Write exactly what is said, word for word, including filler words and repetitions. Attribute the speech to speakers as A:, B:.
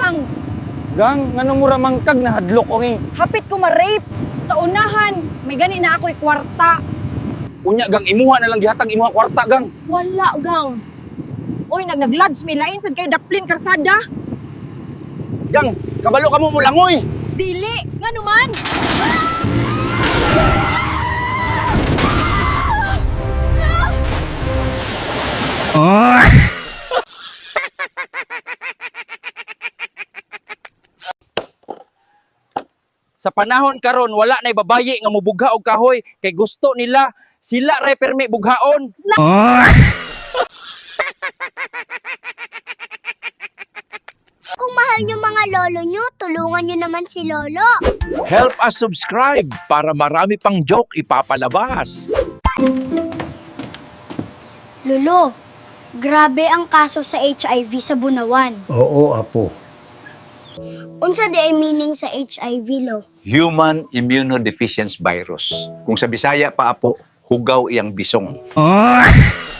A: gang.
B: Gang, ngano mura mangkag na hadlok ko ni.
A: Hapit ko ma-rape. Sa unahan, may gani na ako'y kwarta.
B: Unya gang imuha na lang gihatag imuha kwarta gang.
A: Wala, gang. Uy, nag-nag-lodge, may lain sad kayo daplin karsada.
B: Gang, kabalo ka mo mulangoy.
A: Dili, nga naman.
B: Sa panahon karon wala nay babayi nga mubugha og kahoy kay gusto nila sila ray permi bughaon.
C: Kung mahal nyo mga lolo nyo, tulungan nyo naman si lolo.
D: Help us subscribe para marami pang joke ipapalabas.
C: Lolo, grabe ang kaso sa H I V sa Bunawan.
E: Oo, apo.
C: Unsa di ay meaning sa H I V, lo?
D: Human Immunodeficiency Virus. Kung sa Bisaya pa apo, hugaw iyang bisong.